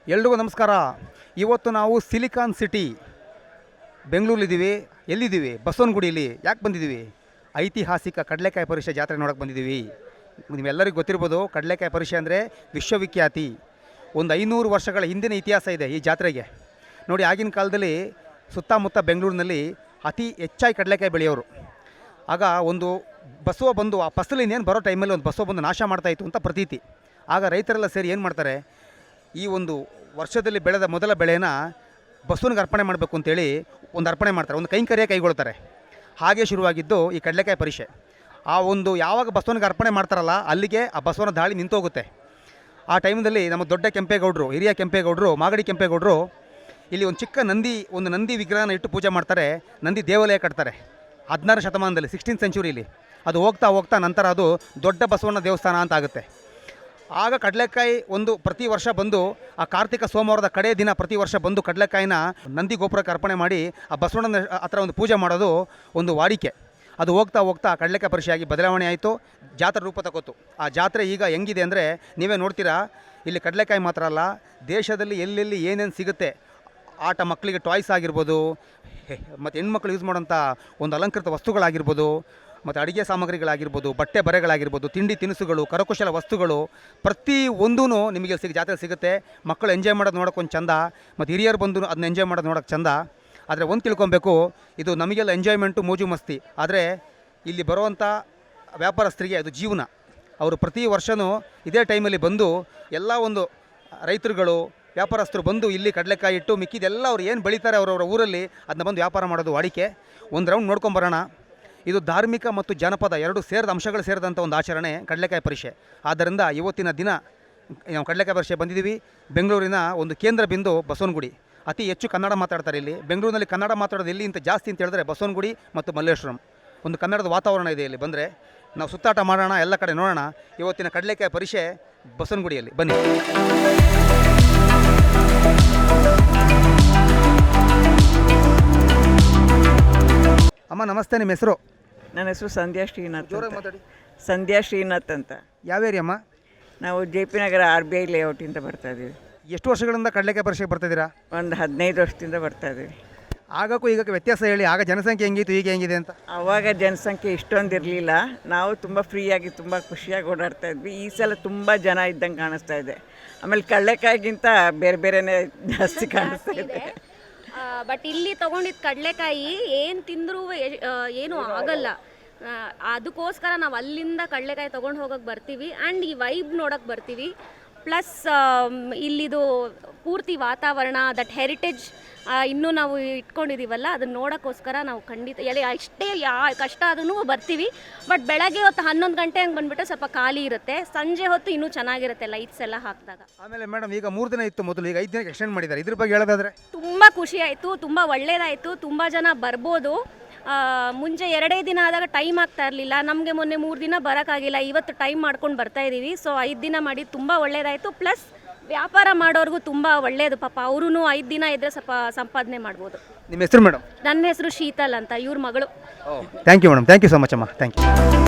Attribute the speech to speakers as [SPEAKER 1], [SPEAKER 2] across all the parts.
[SPEAKER 1] ಎಲ್ರಿಗೂ ನಮಸ್ಕಾರ. ಇವತ್ತು ನಾವು ಸಿಲಿಕಾನ್ ಸಿಟಿ ಬೆಂಗಳೂರಲ್ಲಿದ್ದೀವಿ. ಎಲ್ಲಿದ್ದೀವಿ? ಬಸವನಗುಡಿಯಲ್ಲಿ. ಯಾಕೆ ಬಂದಿದ್ದೀವಿ? ಐತಿಹಾಸಿಕ ಕಡಲೆಕಾಯಿ ಪರಿಷೆ ಜಾತ್ರೆ ನೋಡೋಕೆ ಬಂದಿದ್ದೀವಿ. ನಿಮ್ಮೆಲ್ಲರಿಗೂ ಗೊತ್ತಿರ್ಬೋದು, ಕಡಲೆಕಾಯಿ ಪರಿಷೆ ಅಂದರೆ ವಿಶ್ವವಿಖ್ಯಾತಿ. ಒಂದು 500 ವರ್ಷಗಳ ಹಿಂದಿನ ಇತಿಹಾಸ ಇದೆ ಈ ಜಾತ್ರೆಗೆ. ನೋಡಿ, ಆಗಿನ ಕಾಲದಲ್ಲಿ ಸುತ್ತಮುತ್ತ ಬೆಂಗಳೂರಿನಲ್ಲಿ ಅತಿ ಹೆಚ್ಚಾಗಿ ಕಡಲೆಕಾಯಿ ಬೆಳೆಯೋರು. ಆಗ ಒಂದು ಬಸವ ಬಂದು ಆ ಫಸಲಿನೇನು ಬರೋ ಟೈಮಲ್ಲಿ ಒಂದು ಬಸವ ಬಂದು ನಾಶ ಮಾಡ್ತಾಯಿತ್ತು ಅಂತ ಪ್ರತೀತಿ. ಆಗ ರೈತರೆಲ್ಲ ಸೇರಿ ಏನು ಮಾಡ್ತಾರೆ, ಈ ಒಂದು ವರ್ಷದಲ್ಲಿ ಬೆಳೆದ ಮೊದಲ ಬೆಳೆನ ಬಸವನಿಗೆ ಅರ್ಪಣೆ ಮಾಡಬೇಕು ಅಂತೇಳಿ ಒಂದು ಅರ್ಪಣೆ ಮಾಡ್ತಾರೆ, ಒಂದು ಕೈಂಕರ್ಯ ಕೈಗೊಳ್ತಾರೆ. ಹಾಗೆ ಶುರುವಾಗಿದ್ದು ಈ ಕಡಲೆಕಾಯಿ ಪರಿಷೆ. ಆ ಒಂದು ಯಾವಾಗ ಬಸವನಿಗೆ ಅರ್ಪಣೆ ಮಾಡ್ತಾರಲ್ಲ, ಅಲ್ಲಿಗೆ ಆ ಬಸವನ ದಾಳಿ ನಿಂತೋಗುತ್ತೆ. ಆ ಟೈಮ್ದಲ್ಲಿ ನಮ್ಮ ದೊಡ್ಡ ಕೆಂಪೇಗೌಡರು, ಹಿರಿಯ ಕೆಂಪೇಗೌಡರು, ಮಾಗಡಿ ಕೆಂಪೇಗೌಡರು ಇಲ್ಲಿ ಒಂದು ಚಿಕ್ಕ ನಂದಿ ವಿಗ್ರಹನ ಇಟ್ಟು ಪೂಜೆ ಮಾಡ್ತಾರೆ. ನಂದಿ ದೇವಾಲಯ ಕಟ್ತಾರೆ 16ನೇ ಶತಮಾನದಲ್ಲಿ, 16th ಸೆಂಚುರಿಯಲ್ಲಿ. ಅದು ಹೋಗ್ತಾ ಹೋಗ್ತಾ ನಂತರ ಅದು ದೊಡ್ಡ ಬಸವನ ದೇವಸ್ಥಾನ ಅಂತ ಆಗುತ್ತೆ. ಆಗ ಕಡಲೆಕಾಯಿ ಒಂದು ಪ್ರತಿ ವರ್ಷ ಬಂದು ಆ ಕಾರ್ತಿಕ ಸೋಮವಾರದ ಕಡೆ ದಿನ ಪ್ರತಿ ವರ್ಷ ಬಂದು ಕಡಲೆಕಾಯಿನ ನಂದಿ ಗೋಪುರಕ್ಕೆ ಅರ್ಪಣೆ ಮಾಡಿ ಆ ಬಸವಣ್ಣನ ಹತ್ರ ಒಂದು ಪೂಜೆ ಮಾಡೋದು ಒಂದು ವಾಡಿಕೆ. ಅದು ಹೋಗ್ತಾ ಹೋಗ್ತಾ ಕಡಲೆಕಾಯಿ ಪರಿಷೆಯಾಗಿ ಬದಲಾವಣೆ ಆಯಿತು, ಜಾತ್ರೆ ರೂಪ ತಗೋತು. ಆ ಜಾತ್ರೆ ಈಗ ಹೆಂಗಿದೆ ಅಂದರೆ ನೀವೇ ನೋಡ್ತೀರಾ. ಇಲ್ಲಿ ಕಡಲೆಕಾಯಿ ಮಾತ್ರ ಅಲ್ಲ, ದೇಶದಲ್ಲಿ ಎಲ್ಲೆಲ್ಲಿ ಏನೇನು ಸಿಗುತ್ತೆ, ಆಟ ಮಕ್ಕಳಿಗೆ ಟಾಯ್ಸ್ ಆಗಿರ್ಬೋದು, ಮತ್ತು ಹೆಣ್ಮಕ್ಳು ಯೂಸ್ ಮಾಡೋಂಥ ಒಂದು ಅಲಂಕೃತ ವಸ್ತುಗಳಾಗಿರ್ಬೋದು, ಮತ್ತು ಅಡುಗೆ ಸಾಮಗ್ರಿಗಳಾಗಿರ್ಬೋದು, ಬಟ್ಟೆ ಬರೆಗಳಾಗಿರ್ಬೋದು, ತಿಂಡಿ ತಿನಿಸುಗಳು, ಕರಕುಶಲ ವಸ್ತುಗಳು, ಪ್ರತಿ ಒಂದೂ ನಿಮಗೆ ಜಾತ್ರೆ ಸಿಗುತ್ತೆ. ಮಕ್ಕಳು ಎಂಜಾಯ್ ಮಾಡೋದು ನೋಡೋಕೆ ಒಂದು ಚಂದ, ಮತ್ತು ಹಿರಿಯರು ಬಂದು ಅದನ್ನ ಎಂಜಾಯ್ ಮಾಡೋದು ನೋಡೋಕೆ ಚಂದ. ಆದರೆ ಒಂದು ತಿಳ್ಕೊಬೇಕು, ಇದು ನಮಗೆಲ್ಲ ಎಂಜಾಯ್ಮೆಂಟು, ಮೋಜು ಮಸ್ತಿ. ಆದರೆ ಇಲ್ಲಿ ಬರುವಂಥ ವ್ಯಾಪಾರಸ್ಥರಿಗೆ ಅದು ಜೀವನ. ಅವರು ಪ್ರತಿ ವರ್ಷವೂ ಇದೇ ಟೈಮಲ್ಲಿ ಬಂದು ಎಲ್ಲ ಒಂದು ರೈತರುಗಳು, ವ್ಯಾಪಾರಸ್ಥರು ಬಂದು ಇಲ್ಲಿ ಕಡಲೆಕಾಯಿ ಇಟ್ಟು ಮಿಕ್ಕಿದೆಲ್ಲ ಅವ್ರು ಏನು ಬೆಳೀತಾರೆ ಅವರವರ ಊರಲ್ಲಿ ಅದನ್ನ ಬಂದು ವ್ಯಾಪಾರ ಮಾಡೋದು ವಾಡಿಕೆ. ಒಂದು ರೌಂಡ್ ನೋಡ್ಕೊಂಬರೋಣ. ಇದು ಧಾರ್ಮಿಕ ಮತ್ತು ಜನಪದ ಎರಡು ಅಂಶಗಳು ಸೇರಿದಂಥ ಒಂದು ಆಚರಣೆ ಕಡಲೆಕಾಯಿ ಪರಿಷೆ. ಆದ್ದರಿಂದ ಇವತ್ತಿನ ದಿನ ನಾವು ಕಡಲೆಕಾಯಿ ಪರಿಷೆ ಬಂದಿದ್ದೀವಿ. ಬೆಂಗಳೂರಿನ ಒಂದು ಕೇಂದ್ರ ಬಿಂದು ಬಸವನಗುಡಿ. ಅತಿ ಹೆಚ್ಚು ಕನ್ನಡ ಮಾತಾಡ್ತಾರೆ ಇಲ್ಲಿ. ಬೆಂಗಳೂರಿನಲ್ಲಿ ಕನ್ನಡ ಮಾತಾಡೋದು ಎಲ್ಲಿ ಅಂತ ಜಾಸ್ತಿ ಅಂತ ಹೇಳಿದ್ರೆ ಬಸವನಗುಡಿ ಮತ್ತು ಮಲ್ಲೇಶ್ವರಂ. ಒಂದು ಕನ್ನಡದ ವಾತಾವರಣ ಇದೆ ಇಲ್ಲಿ. ಬಂದರೆ ನಾವು ಸುತ್ತಾಟ ಮಾಡೋಣ, ಎಲ್ಲ ಕಡೆ ನೋಡೋಣ. ಇವತ್ತಿನ ಕಡಲೆಕಾಯಿ ಪರಿಷೆ ಬಸವನಗುಡಿಯಲ್ಲಿ ಬನ್ನಿ. ಅಮ್ಮ ನಮಸ್ತೆ, ನಿಮ್ಮ ಹೆಸರು?
[SPEAKER 2] ನನ್ನ ಹೆಸರು ಸಂಧ್ಯಾ ಶ್ರೀನಾಥ್.
[SPEAKER 1] ಜೋರಾಗಿ ಮಾತಾಡಿ.
[SPEAKER 2] ಸಂಧ್ಯಾ ಶ್ರೀನಾಥ್ ಅಂತ.
[SPEAKER 1] ಯಾವ ಏರಿಯಾ ಅಮ್ಮ?
[SPEAKER 2] ನಾವು JP ನಗರ RBI ಲೇಔಟಿಂದ ಬರ್ತಾ ಇದ್ದೀವಿ.
[SPEAKER 1] ಎಷ್ಟು ವರ್ಷಗಳಿಂದ ಕಡಲೆಕಾಯಿ ಪರಿಷೆಗೆ ಬರ್ತಾಯಿದ್ದೀರಾ?
[SPEAKER 2] ಒಂದು 15 ವರ್ಷದಿಂದ ಬರ್ತಾ ಇದ್ದೀವಿ.
[SPEAKER 1] ಆಗಕ್ಕೂ ಈಗಕ್ಕೆ ವ್ಯತ್ಯಾಸ ಹೇಳಿ. ಆಗ ಜನಸಂಖ್ಯೆ ಹೆಂಗಿತ್ತು, ಈಗ ಹೆಂಗಿದೆ ಅಂತ?
[SPEAKER 2] ಆವಾಗ ಜನಸಂಖ್ಯೆ ಇಷ್ಟೊಂದು ಇರಲಿಲ್ಲ. ನಾವು ತುಂಬ ಫ್ರೀಯಾಗಿ ತುಂಬ ಖುಷಿಯಾಗಿ ಓಡಾಡ್ತಾ ಇದ್ವಿ. ಈ ಸಲ ತುಂಬ ಜನ ಇದ್ದಂಗೆ ಕಾಣಿಸ್ತಾ ಇದೆ. ಆಮೇಲೆ ಕಡಲೆಕಾಯಿಗಿಂತ ಬೇರೆ ಬೇರೆನೇ ಜಾಸ್ತಿ ಕಾಣಿಸ್ತಾ ಇದೆ.
[SPEAKER 3] ಬಟ್ ಇಲ್ಲಿ ತೊಗೊಂಡಿದ್ದು ಕಡಲೆಕಾಯಿ ಏನು ತಿಂದರೂ ಏನೂ ಆಗಲ್ಲ. ಅದಕ್ಕೋಸ್ಕರ ನಾವು ಅಲ್ಲಿಂದ ಕಡಲೆಕಾಯಿ ತೊಗೊಂಡು ಹೋಗೋಕ್ಕೆ ಬರ್ತೀವಿ. ಆ್ಯಂಡ್ ಈ ವೈಬ್ ನೋಡೋಕ್ಕೆ ಬರ್ತೀವಿ. ಪ್ಲಸ್ ಇಲ್ಲಿದು ಪೂರ್ತಿ ವಾತಾವರಣ, ದಟ್ ಹೆರಿಟೇಜ್ ಇನ್ನೂ ನಾವು ಇಟ್ಕೊಂಡಿದ್ದೀವಲ್ಲ, ಅದನ್ನು ನೋಡೋಕ್ಕೋಸ್ಕರ ನಾವು ಖಂಡಿತ ಎಷ್ಟೇ ಕಷ್ಟ ಆದ್ರೂ ಬರ್ತೀವಿ. ಬಟ್ ಬೆಳಗ್ಗೆ ಹೊತ್ತು 11 ಗಂಟೆ ಹಂಗೆ ಬಂದುಬಿಟ್ಟು ಸ್ವಲ್ಪ ಖಾಲಿ ಇರುತ್ತೆ. ಸಂಜೆ ಹೊತ್ತು ಇನ್ನೂ ಚೆನ್ನಾಗಿರುತ್ತೆ ಲೈಟ್ಸ್ ಎಲ್ಲ ಹಾಕಿದಾಗ.
[SPEAKER 1] ಆಮೇಲೆ ಮೇಡಮ್, ಈಗ 3 ದಿನ ಇತ್ತು ಮೊದಲು, ಈಗ 5 ದಿನಕ್ಕೆ ಎಕ್ಸ್ಟೆಂಡ್ ಮಾಡಿದ್ದಾರೆ. ಇದ್ರ ಬಗ್ಗೆ ಹೇಳೋದಾದ್ರೆ
[SPEAKER 3] ತುಂಬ ಖುಷಿ ಆಯಿತು, ತುಂಬ ಒಳ್ಳೆಯದಾಯಿತು. ತುಂಬ ಜನ ಬರ್ಬೋದು. ಮುಂಚೆ 2 ದಿನ ಆದಾಗ ಟೈಮ್ ಆಗ್ತಾ ಇರಲಿಲ್ಲ ನಮಗೆ. ಮೊನ್ನೆ 3 ದಿನ ಬರೋಕ್ಕಾಗಿಲ್ಲ. ಇವತ್ತು ಟೈಮ್ ಮಾಡ್ಕೊಂಡು ಬರ್ತಾ ಇದ್ದೀವಿ. ಸೊ 5 ದಿನ ಮಾಡಿ ತುಂಬ ಒಳ್ಳೆಯದಾಯಿತು. ಪ್ಲಸ್ ವ್ಯಾಪಾರ ಮಾಡೋರಿಗೂ ತುಂಬ ಒಳ್ಳೆಯದು. ಪಾಪ ಅವರೂ 5 ದಿನ ಇದ್ದರೆ ಸ್ವಲ್ಪ ಸಂಪಾದನೆ ಮಾಡ್ಬೋದು.
[SPEAKER 1] ನಿಮ್ಮ ಹೆಸರು ಮೇಡಮ್?
[SPEAKER 3] ನನ್ನ ಹೆಸರು ಶೀತಲ್ ಅಂತ, ಇವ್ರ ಮಗಳು.
[SPEAKER 1] Thank you madam, thank you so much ಅಮ್ಮ, ಥ್ಯಾಂಕ್ ಯು.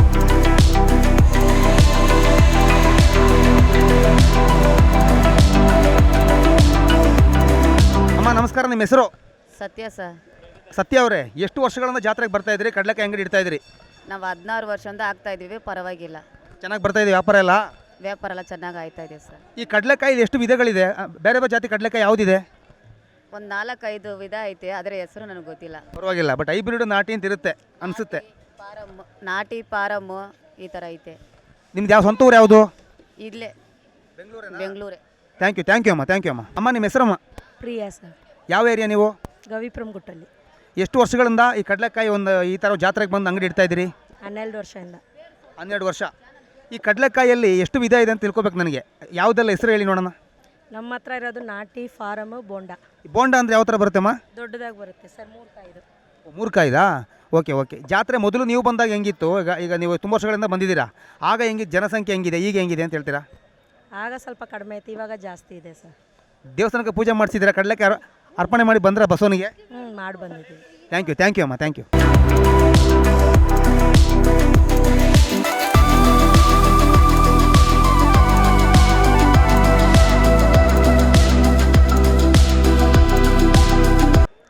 [SPEAKER 1] ಅಮ್ಮ ನಮಸ್ಕಾರ, ನಿಮ್ಮ ಹೆಸರು?
[SPEAKER 4] ಸತ್ಯ ಸರ್.
[SPEAKER 1] ಸತ್ಯ ಅವರೇ, ಎಷ್ಟು ವರ್ಷಗಳಿಂದ ಜಾತ್ರೆಗೆ ಬರ್ತಾ ಇದ್ರಿ, ಕಡಲೆಕಾಯಿ ಅಂಗಡಿ ಇಡ್ತಾ ಇದ್ರಿ?
[SPEAKER 4] ನಾವು 16 ವರ್ಷದಿಂದ ಆಗ್ತಾ ಇದ್ದೀವಿ. ಪರವಾಗಿಲ್ಲ,
[SPEAKER 1] ಚೆನ್ನಾಗಿ ಬರ್ತಾ ಇದೆ ವ್ಯಾಪಾರ ಎಲ್ಲ?
[SPEAKER 4] ವ್ಯಾಪಾರ ಎಲ್ಲ ಚೆನ್ನಾಗಿ ಆಯ್ತಾ ಇದೆ ಸರ್.
[SPEAKER 1] ಈ ಕಡಲೆಕಾಯಿ ಎಷ್ಟು ವಿಧಗಳಿದೆ? ಬೇರೆ ಬೇರೆ ಜಾತಿ ಕಡಲೆಕಾಯಿ ಯಾವುದಿದೆ?
[SPEAKER 4] ಒಂದು 4-5 ವಿಧ ಐತೆ, ಅದರ ಹೆಸರು ನನಗೆ ಗೊತ್ತಿಲ್ಲ.
[SPEAKER 1] ಪರವಾಗಿಲ್ಲ, ಬಟ್ ಹೈಬ್ರಿಡ್, ನಾಟಿ ಅಂತ ಇರುತ್ತೆ ಅನಿಸುತ್ತೆ.
[SPEAKER 4] ನಾಟಿ ಪಾರಮ್ಮು ಈ ಥರ ಐತೆ.
[SPEAKER 1] ನಿಮ್ದು ಯಾವ ಸ್ವಂತ ಊರು ಯಾವುದು?
[SPEAKER 4] ಇಲ್ಲೇ ಬೆಂಗಳೂರೇ.
[SPEAKER 1] ಥ್ಯಾಂಕ್ ಯು ಅಮ್ಮ, ಥ್ಯಾಂಕ್ ಯು ಅಮ್ಮ. ಅಮ್ಮ ನಿಮ್ಮ ಹೆಸರಮ್ಮ?
[SPEAKER 5] ಪ್ರಿಯಾ ಸರ್.
[SPEAKER 1] ಯಾವ ಏರಿಯಾ ನೀವು?
[SPEAKER 5] ಗವಿಪುರಂ ಗುಟ್ಟಲ್ಲಿ.
[SPEAKER 1] ಎಷ್ಟು ವರ್ಷಗಳಿಂದ ಈ ಕಡಲೆಕಾಯಿ ಒಂದು ಈ ಥರ ಜಾತ್ರೆಗೆ ಬಂದು ಅಂಗಡಿ ಇಡ್ತಾ ಇದ್ದೀರಿ?
[SPEAKER 5] 12 ವರ್ಷದಿಂದ.
[SPEAKER 1] 12 ವರ್ಷ. ಈ ಕಡಲೆಕಾಯಲ್ಲಿ ಎಷ್ಟು ವಿಧ ಇದೆ ಅಂತ ತಿಳ್ಕೊಬೇಕು ನನಗೆ. ಯಾವುದೆಲ್ಲ ಹೆಸರು ಹೇಳಿ ನೋಡೋಣ.
[SPEAKER 5] ನಮ್ಮ ಹತ್ರ ಇರೋದು ನಾಟಿ, ಫಾರಮ್, ಬೋಂಡ.
[SPEAKER 1] ಬೋಂಡ ಅಂದರೆ ಯಾವ ಥರ ಬರುತ್ತೆಮ್ಮ?
[SPEAKER 5] ದೊಡ್ಡದಾಗಿ ಬರುತ್ತೆ ಸರ್. 3 ಕಾಯಿದು.
[SPEAKER 1] 3 ಕಾಯಿದಾ? ಓಕೆ. ಜಾತ್ರೆ ಮೊದಲು ನೀವು ಬಂದಾಗ ಹೆಂಗಿತ್ತು? ಈಗ ನೀವು ತುಂಬ ವರ್ಷಗಳಿಂದ ಬಂದಿದ್ದೀರಾ. ಆಗ ಹೆಂಗಿತ್ತು ಜನಸಂಖ್ಯೆ, ಹೆಂಗಿದೆ ಈಗ ಹೆಂಗಿದೆ ಅಂತ ಹೇಳ್ತೀರಾ?
[SPEAKER 5] ಆಗ ಸ್ವಲ್ಪ ಕಡಿಮೆ ಇತ್ತು, ಇವಾಗ ಜಾಸ್ತಿ ಇದೆ ಸರ್.
[SPEAKER 1] ದೇವಸ್ಥಾನಕ್ಕೆ ಪೂಜೆ ಮಾಡಿಸಿದ್ದೀರಾ? ಕಡಲೆಕಾಯಿ ಅರ್ಪಣೆ ಮಾಡಿ ಬಂದರೆ ಬಸವನಿಗೆ?
[SPEAKER 5] ಮಾಡಿ ಬಂದಿದ್ದೀವಿ.
[SPEAKER 1] ಥ್ಯಾಂಕ್ ಯು ಅಮ್ಮ, ಥ್ಯಾಂಕ್ ಯು.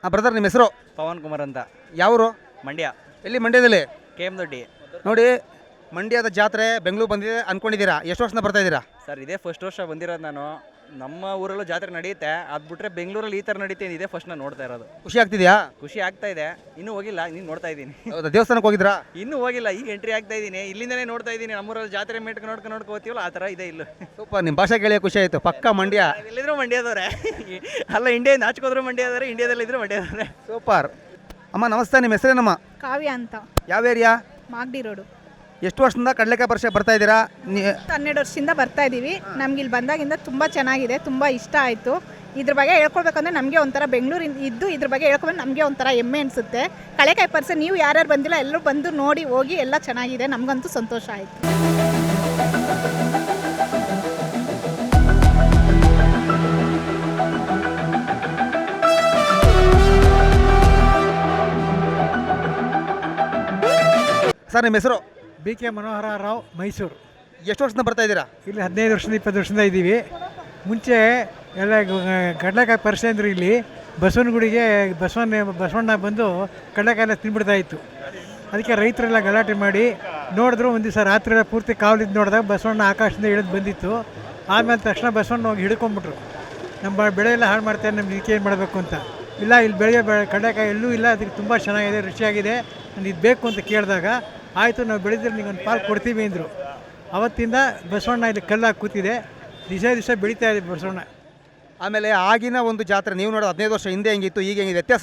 [SPEAKER 1] ಬ್ರದರ್ ನಿಮ್ಮ ಹೆಸರು?
[SPEAKER 6] ಪವನ್ ಕುಮಾರ್ ಅಂತ,
[SPEAKER 1] ಯಾವರು?
[SPEAKER 6] ಮಂಡ್ಯ,
[SPEAKER 1] ಎಲ್ಲಿ? ಮಂಡ್ಯದಲ್ಲಿ.
[SPEAKER 6] KM ದೊಡ್ಡಿ.
[SPEAKER 1] ನೋಡಿ, ಮಂಡ್ಯದ ಜಾತ್ರೆ ಬೆಂಗಳೂರು ಬಂದಿದೆ ಅಂದ್ಕೊಂಡಿದ್ದೀರಾ? ಎಷ್ಟು ವರ್ಷದಿಂದ ಬರ್ತಾ ಇದ್ದೀರಾ?
[SPEAKER 6] ಸರ್ ಇದೇ ಫಸ್ಟ್ ವರ್ಷ ಬಂದಿರೋದು ನಾನು. ನಮ್ಮ ಊರಲ್ಲೂ ಜಾತ್ರೆ ನಡೆಯುತ್ತೆ, ಅದು ಬಿಟ್ಟರೆ ಬೆಂಗಳೂರಲ್ಲಿ ಈ ಥರ ನಡೀತೆ, ಇದೇ ಫಸ್ಟ್ ನಾನು ನೋಡ್ತಾ ಇರೋದು.
[SPEAKER 1] ಖುಷಿ ಆಗ್ತಿದೆಯಾ?
[SPEAKER 6] ಖುಷಿ ಆಗ್ತಾ ಇದೆ. ಇನ್ನೂ ಹೋಗಿಲ್ಲ, ನೀನು ನೋಡ್ತಾ ಇದ್ದೀನಿ.
[SPEAKER 1] ಹೌದಾ, ದೇವಸ್ಥಾನಕ್ಕೆ ಹೋಗಿದ್ರಾ?
[SPEAKER 6] ಇನ್ನೂ ಹೋಗಿಲ್ಲ, ಈಗ ಎಂಟ್ರಿ ಆಗ್ತಾ ಇದ್ದೀನಿ. ಇಲ್ಲಿಂದನೇ ನೋಡ್ತಾ ಇದ್ದೀನಿ. ನಮ್ಮೂರಲ್ಲಿ ಜಾತ್ರೆ ನೋಡ್ಕೊಂಡು ಹೋಗ್ತೀವಲ್ಲ, ಆ ಥರ ಇದೆ ಇಲ್ಲೂ.
[SPEAKER 1] ಸೂಪರ್, ನಿಮ್ಮ ಭಾಷೆ ಕೇಳಿ ಖುಷಿ ಆಯಿತು. ಪಕ್ಕ ಮಂಡ್ಯ.
[SPEAKER 6] ಎಲ್ಲಿದ್ರು ಮಂಡ್ಯದವ್ರೆ. ಅಲ್ಲ, ಇಂಡಿಯಾ ಆಚೆಗೋದ್ರು ಮಂಡ್ಯದವ್ರೆ, ಇಂಡಿಯಾದಲ್ಲಿದ್ರು ಮಂಡ್ಯದವ್ರೆ.
[SPEAKER 1] ಸೂಪರ್. ಅಮ್ಮ ನಮಸ್ತೆ, ನಿಮ್ಮ ಹೆಸರೇನಮ್ಮ?
[SPEAKER 7] ಕಾವ್ಯ ಅಂತ,
[SPEAKER 1] ಯಾವ ಏರಿಯಾ?
[SPEAKER 7] ಮಾಗಡಿ ರೋಡು.
[SPEAKER 1] ಎಷ್ಟು ವರ್ಷದಿಂದ ಕಡಲೆಕಾಯಿ ಪರಿಷೆ ಬರ್ತಾ ಇದ್ದೀರಾ?
[SPEAKER 7] 12 ವರ್ಷದಿಂದ ಬರ್ತಾ ಇದ್ದೀವಿ. ನಮ್ಗೆ ಇಲ್ಲಿ ಬಂದಾಗಿಂದ ತುಂಬ ಚೆನ್ನಾಗಿದೆ, ತುಂಬ ಇಷ್ಟ ಆಯಿತು. ಇದ್ರ ಬಗ್ಗೆ ಹೇಳ್ಕೊಳ್ಬೇಕಂದ್ರೆ ನಮಗೆ ಒಂಥರ ಬೆಂಗಳೂರಿಂದ ಇದ್ದು ಇದ್ರ ಬಗ್ಗೆ ಹೇಳ್ಕೊಂಡ್ರೆ ನಮಗೆ ಒಂಥರ ಹೆಮ್ಮೆ ಅನಿಸುತ್ತೆ. ಕಡಲೆಕಾಯಿ ಪರಿಷೆ ನೀವು ಯಾರ್ಯಾರು ಬಂದಿಲ್ಲ ಎಲ್ಲರೂ ಬಂದು ನೋಡಿ ಹೋಗಿ, ಎಲ್ಲ ಚೆನ್ನಾಗಿದೆ. ನಮಗಂತೂ ಸಂತೋಷ ಆಯಿತು.
[SPEAKER 1] ಸರ್ ನಿಮ್ಮ ಹೆಸರು?
[SPEAKER 8] BK ಮನೋಹರ ರಾವ್, ಮೈಸೂರು.
[SPEAKER 1] ಎಷ್ಟು ವರ್ಷದಿಂದ ಬರ್ತಾ ಇದ್ದೀರಾ?
[SPEAKER 8] ಇಲ್ಲಿ 15 ವರ್ಷದಿಂದ 20 ವರ್ಷದಿಂದ ಇದ್ದೀವಿ. ಮುಂಚೆ ಎಲ್ಲ ಕಡಲೆಕಾಯಿ ಪರಿಷೆ ಅಂದರೆ ಇಲ್ಲಿ ಬಸವನಗುಡಿಗೆ ಬಸವಣ್ಣ ಬಂದು ಕಡಲೆಕಾಯಿ ಎಲ್ಲ ತಿನ್ಬಿಡ್ತಾ ಇತ್ತು. ಅದಕ್ಕೆ ರೈತರೆಲ್ಲ ಗಲಾಟೆ ಮಾಡಿ ನೋಡಿದ್ರು. ಒಂದು ದಿವಸ ರಾತ್ರಿ ಎಲ್ಲ ಪೂರ್ತಿ ಕಾವಲಿದ್ದು ನೋಡಿದಾಗ ಬಸವಣ್ಣ ಆಕಾಶದಿಂದ ಇಳಿದು ಬಂದಿತ್ತು. ಆಮೇಲೆ ತಕ್ಷಣ ಬಸವಣ್ಣ ಹೋಗಿ ಹಿಡ್ಕೊಂಬಿಟ್ರು. ನಮ್ಮ ಬೆಳೆ ಎಲ್ಲ ಹಾಳು ಮಾಡ್ತಾರೆ, ನಮ್ಗೆ ಇದಕ್ಕೆ ಏನು ಮಾಡಬೇಕು ಅಂತ. ಇಲ್ಲ, ಇಲ್ಲಿ ಕಡಲೆಕಾಯಿ ಎಲ್ಲೂ ಇಲ್ಲ, ಅದಕ್ಕೆ ತುಂಬ ಚೆನ್ನಾಗಿದೆ, ರುಚಿಯಾಗಿದೆ, ನನಗೆ ಇದು ಬೇಕು ಅಂತ ಕೇಳಿದಾಗ ಆಯಿತು ನಾವು ಬೆಳೆದ್ರೆ ನಿಗೊಂದು ಪಾಲು ಕೊಡ್ತೀವಿ ಅಂದರು. ಅವತ್ತಿಂದ ಬಸವಣ್ಣ ಇಲ್ಲಿ ಕಲ್ಲಾಗಿ ಕೂತಿದೆ, ದಿವಸ ಬೆಳೀತಾ ಇದೆ ಬಸವಣ್ಣ.
[SPEAKER 1] ಆಮೇಲೆ ಆಗಿನ ಒಂದು ಜಾತ್ರೆ ನೀವು ನೋಡೋದು 15 ವರ್ಷ ಹಿಂದೆ ಹೆಂಗಿತ್ತು, ಈಗ ಹೆಂಗಿದೆ? ವ್ಯತ್ಯಾಸ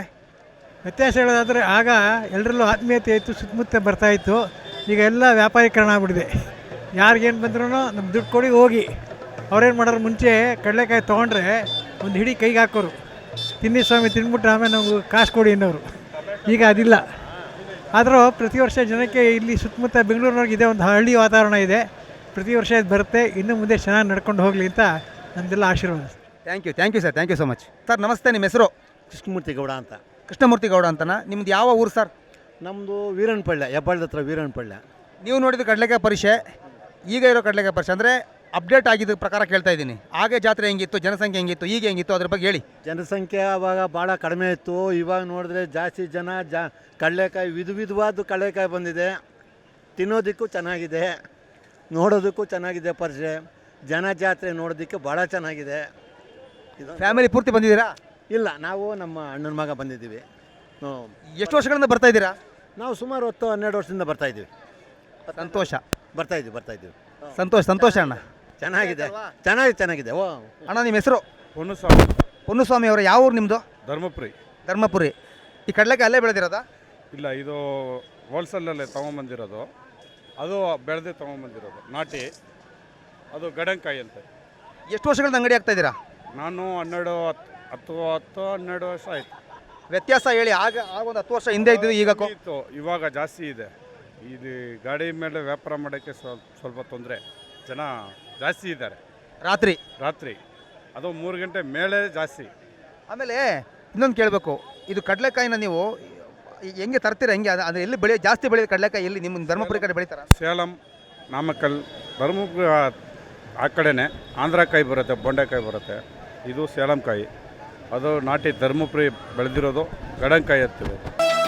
[SPEAKER 1] ಹೇಳೋದಾದರೆ
[SPEAKER 8] ಆಗ ಎಲ್ಲರಲ್ಲೂ ಆತ್ಮೀಯತೆ ಇತ್ತು, ಸುತ್ತಮುತ್ತ ಬರ್ತಾಯಿತ್ತು. ಈಗ ಎಲ್ಲ ವ್ಯಾಪಾರೀಕರಣ ಆಗ್ಬಿಟ್ಟಿದೆ. ಯಾರಿಗೇನು ಬಂದ್ರೂ ನಮ್ಮ ದುಡ್ಡು ಕೊಡಿ ಹೋಗಿ. ಅವ್ರೇನು ಮಾಡೋರು, ಮುಂಚೆ ಕಡಲೆಕಾಯಿ ತೊಗೊಂಡ್ರೆ ಒಂದು ಹಿಡಿ ಕೈಗೆ ಹಾಕೋರು, ತಿನ್ನಿ ಸ್ವಾಮಿ, ತಿಂದ್ಬಿಟ್ರೆ ಆಮೇಲೆ ನಾವು ಕಾಸು ಕೊಡಿ ಅನ್ನೋರು. ಈಗ ಅದಿಲ್ಲ. ಆದರೂ ಪ್ರತಿ ವರ್ಷ ಜನಕ್ಕೆ ಇಲ್ಲಿ ಸುತ್ತಮುತ್ತ ಬೆಂಗಳೂರಿನವ್ರಿಗೆ ಇದೇ ಒಂದು ಹಳ್ಳಿ ವಾತಾವರಣ ಇದೆ. ಪ್ರತಿ ವರ್ಷ ಇದು ಬರುತ್ತೆ. ಇನ್ನು ಮುಂದೆ ಚೆನ್ನಾಗಿ ನಡ್ಕೊಂಡು ಹೋಗಲಿ ಅಂತ ನಮ್ಮದೆಲ್ಲ ಆಶೀರ್ವಾದ.
[SPEAKER 1] Thank you sir, thank you so much. Sir ನಮಸ್ತೆ, ನಿಮ್ಮ ಹೆಸರು?
[SPEAKER 9] ಕೃಷ್ಣಮೂರ್ತಿ ಗೌಡ ಅಂತ.
[SPEAKER 1] ಕೃಷ್ಣಮೂರ್ತಿ ಗೌಡ ಅಂತನಾ? ನಿಮ್ದು ಯಾವ ಊರು ಸರ್?
[SPEAKER 9] ನಮ್ಮದು ವೀರನಪಳ್ಳಿ, ಹೆಬ್ಬಾಳದ ಹತ್ರ ವೀರನಪಳ್ಳಿ.
[SPEAKER 1] ನೀವು ನೋಡಿದ ಕಡಲೆಕಾಯಿ ಪರಿಷೆ, ಈಗ ಇರೋ ಕಡಲೆಕಾಯಿ ಪರಿಷೆ ಅಂದರೆ ಅಪ್ಡೇಟ್ ಆಗಿದ್ದ ಪ್ರಕಾರ ಕೇಳ್ತಾ ಇದ್ದೀನಿ. ಹಾಗೆ ಜಾತ್ರೆ ಹೆಂಗಿತ್ತು, ಜನಸಂಖ್ಯೆ ಹೆಂಗಿತ್ತು, ಈಗ ಹೆಂಗಿತ್ತು, ಅದ್ರ ಬಗ್ಗೆ ಹೇಳಿ.
[SPEAKER 9] ಜನಸಂಖ್ಯೆ ಆವಾಗ ಭಾಳ ಕಡಿಮೆ ಇತ್ತು. ಇವಾಗ ನೋಡಿದ್ರೆ ಜಾಸ್ತಿ ಜನ ಕಡಲೆಕಾಯಿ ವಿಧವಾದ ಕಡಲೆಕಾಯಿ ಬಂದಿದೆ. ತಿನ್ನೋದಕ್ಕೂ ಚೆನ್ನಾಗಿದೆ, ನೋಡೋದಕ್ಕೂ ಚೆನ್ನಾಗಿದೆ. ಪರಿಷೆ ಜನ ಜಾತ್ರೆ ನೋಡೋದಕ್ಕೆ ಭಾಳ ಚೆನ್ನಾಗಿದೆ. ಇದು
[SPEAKER 1] ಫ್ಯಾಮಿಲಿ ಪೂರ್ತಿ ಬಂದಿದ್ದೀರಾ?
[SPEAKER 9] ಇಲ್ಲ, ನಾವು ನಮ್ಮ ಅಣ್ಣನ ಮಗ ಬಂದಿದ್ದೀವಿ.
[SPEAKER 1] ಎಷ್ಟು ವರ್ಷಗಳಿಂದ ಬರ್ತಾ ಇದ್ದೀರಾ?
[SPEAKER 9] ನಾವು ಸುಮಾರು 10-12 ವರ್ಷದಿಂದ ಬರ್ತಾಯಿದ್ದೀವಿ.
[SPEAKER 1] ಸಂತೋಷ.
[SPEAKER 9] ಬರ್ತಾಯಿದ್ದೀವಿ.
[SPEAKER 1] ಸಂತೋಷ ಅಣ್ಣ.
[SPEAKER 9] ಚೆನ್ನಾಗಿದೆ. ಓ
[SPEAKER 1] ಅಣ್ಣ, ನಿಮ್ಮ ಹೆಸರು?
[SPEAKER 10] ಪೊನ್ನುಸ್ವಾಮಿ.
[SPEAKER 1] ಪೊನ್ನುಸ್ವಾಮಿ ಅವರು ಯಾವ ಊರು ನಿಮ್ಮದು?
[SPEAKER 10] ಧರ್ಮಪುರಿ.
[SPEAKER 1] ಈ ಕಡಲೆಕಾಯಿ ಅಲ್ಲೇ ಬೆಳೆದಿರೋದಾ?
[SPEAKER 10] ಇಲ್ಲ, ಇದು ಹೋಲ್ಸೇಲಲ್ಲೇ ತೊಗೊಂಬಂದಿರೋದು. ಅದು ಬೆಳೆದೇ ತೊಗೊಂಬಂದಿರೋದು ನಾಟಿ. ಅದು ಗಡಂಕಾಯಿ ಅಂತ.
[SPEAKER 1] ಎಷ್ಟು ವರ್ಷಗಳಿಂದ ಅಂಗಡಿ ಆಗ್ತಾ ಇದ್ದೀರಾ?
[SPEAKER 10] ನಾನು 12 ವರ್ಷ ಆಯಿತು.
[SPEAKER 1] ವ್ಯತ್ಯಾಸ ಹೇಳಿ. ಆಗ ಒಂದು 10 ವರ್ಷ ಹಿಂದೆ ಇದ್ದು ಈಗ
[SPEAKER 10] ಇತ್ತು, ಇವಾಗ ಜಾಸ್ತಿ ಇದೆ. ಇದು ಗಾಡಿ ಮೇಲೆ ವ್ಯಾಪಾರ ಮಾಡೋಕ್ಕೆ ಸ್ವಲ್ಪ ತೊಂದರೆ. ಜನ ಜಾಸ್ತಿ ಇದ್ದಾರೆ. ರಾತ್ರಿ ಅದು 3 ಗಂಟೆ ಮೇಲೆ ಜಾಸ್ತಿ.
[SPEAKER 1] ಆಮೇಲೆ ಇನ್ನೊಂದು ಕೇಳಬೇಕು, ಇದು ಕಡಲೆಕಾಯಿನ ನೀವು ಹೆಂಗೆ ತರ್ತೀರಾ? ಹೆಂಗೆ ಅದು ಎಲ್ಲಿ ಜಾಸ್ತಿ ಬೆಳೆಯೋದು ಕಡಲೆಕಾಯಿ? ಎಲ್ಲಿ ನಿಮ್ಮ ಧರ್ಮಪುರಿ ಕಡೆ ಬೆಳೀತಾರ?
[SPEAKER 10] ಸೇಲಂ, ನಾಮಕ್ಕಲ್, ಧರ್ಮಪುರಿ ಆ ಕಡೆನೇ ಆಂಧ್ರಕಾಯಿ ಬರುತ್ತೆ, ಬೊಂಡೆಕಾಯಿ ಬರುತ್ತೆ. ಇದು ಸೇಲಂ ಕಾಯಿ. ಅದು ನಾಟಿ ಧರ್ಮಪುರಿ ಬೆಳೆದಿರೋದು ಗಡಂಕಾಯಿ ಎತ್ತಿರೋದು.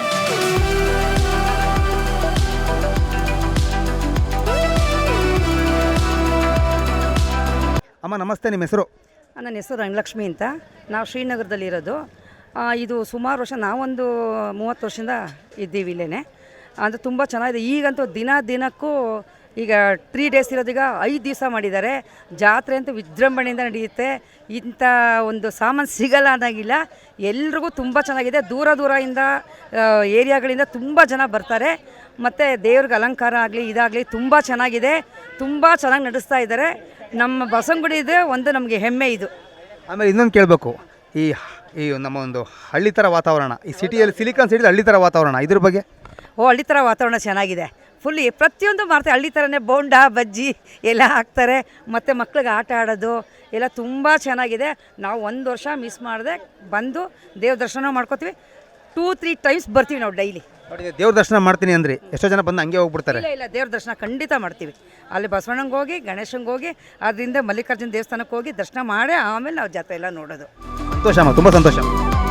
[SPEAKER 1] ಅಮ್ಮ ನಮಸ್ತೆ, ನಿಮ್ಮ ಹೆಸರು?
[SPEAKER 11] ನನ್ನ ಹೆಸರು ರಂಗಲಕ್ಷ್ಮಿ ಅಂತ. ನಾವು ಶ್ರೀನಗರದಲ್ಲಿರೋದು. ಇದು ಸುಮಾರು ವರ್ಷ, ನಾವೊಂದು 30 ವರ್ಷದಿಂದ ಇದ್ದೀವಿ ಇಲ್ಲೇ. ಅಂದರೆ ತುಂಬ ಚೆನ್ನಾಗಿದೆ. ಈಗಂತೂ ದಿನಕ್ಕೂ ಈಗ 3 ಡೇಸ್ ಇರೋದೀಗ 5 ದಿವಸ ಮಾಡಿದ್ದಾರೆ. ಜಾತ್ರೆ ಅಂತೂ ವಿಜೃಂಭಣೆಯಿಂದ ನಡೆಯುತ್ತೆ. ಇಂಥ ಒಂದು ಸಾಮಾನು ಸಿಗಲ್ಲ ಅನ್ನೋಂಗಿಲ್ಲ. ಎಲ್ರಿಗೂ ತುಂಬ ಚೆನ್ನಾಗಿದೆ. ದೂರದಿಂದ ಏರಿಯಾಗಳಿಂದ ತುಂಬ ಜನ ಬರ್ತಾರೆ. ಮತ್ತು ದೇವ್ರಿಗೆ ಅಲಂಕಾರ ಆಗಲಿ ಇದಾಗಲಿ ತುಂಬ ಚೆನ್ನಾಗಿದೆ. ತುಂಬ ಚೆನ್ನಾಗಿ ನಡೆಸ್ತಾ ಇದ್ದಾರೆ. ನಮ್ಮ ಬಸವನಗುಡಿದು ಒಂದು ನಮಗೆ ಹೆಮ್ಮೆ ಇದು.
[SPEAKER 1] ಆಮೇಲೆ ಇನ್ನೊಂದು ಕೇಳಬೇಕು, ಈ ನಮ್ಮ ಒಂದು ಹಳ್ಳಿ ಥರ ವಾತಾವರಣ, ಈ ಸಿಟಿಯಲ್ಲಿ ಸಿಲಿಕಾನ್ ಸಿಟಿಲಿ ಹಳ್ಳಿ ಥರ ವಾತಾವರಣ, ಇದ್ರ ಬಗ್ಗೆ?
[SPEAKER 11] ಹಳ್ಳಿ ಥರ ವಾತಾವರಣ ಚೆನ್ನಾಗಿದೆ. ಫುಲ್ಲಿ ಪ್ರತಿಯೊಂದು ಮಾಡ್ತಾರೆ. ಹಳ್ಳಿ ಥರನೇ ಬೋಂಡ ಬಜ್ಜಿ ಎಲ್ಲ ಹಾಕ್ತಾರೆ. ಮತ್ತು ಮಕ್ಳಿಗೆ ಆಟ ಆಡೋದು ಎಲ್ಲ ತುಂಬ ಚೆನ್ನಾಗಿದೆ. ನಾವು 1 ವರ್ಷ ಮಿಸ್ ಮಾಡದೆ ಬಂದು ದೇವ್ರ ದರ್ಶನ ಮಾಡ್ಕೋತೀವಿ. 2-3 ಟೈಮ್ಸ್ ಬರ್ತೀವಿ ನಾವು ಡೈಲಿ.
[SPEAKER 1] ನೋಡಿ, ದೇವ್ರ ದರ್ಶನ ಮಾಡ್ತೀನಿ ಅಂದ್ರಿ, ಎಷ್ಟೋ ಜನ ಬಂದು ಹಂಗೆ ಹೋಗ್ಬಿಡ್ತಾರೆ.
[SPEAKER 11] ಇಲ್ಲ, ದೇವ್ರ ದರ್ಶನ ಖಂಡಿತ ಮಾಡ್ತೀವಿ. ಅಲ್ಲಿ ಬಸವಣ್ಣಂಗೆ ಹೋಗಿ, ಗಣೇಶಂಗೆ ಹೋಗಿ, ಅದರಿಂದ ಮಲ್ಲಿಕಾರ್ಜುನ ದೇವಸ್ಥಾನಕ್ಕೆ ಹೋಗಿ ದರ್ಶನ ಮಾಡಿ ಆಮೇಲೆ ನಾವು ಜಾತ್ರೆ ಎಲ್ಲ ನೋಡೋದು.
[SPEAKER 1] ಸಂತೋಷ ಅಮ್ಮ, ತುಂಬ ಸಂತೋಷ.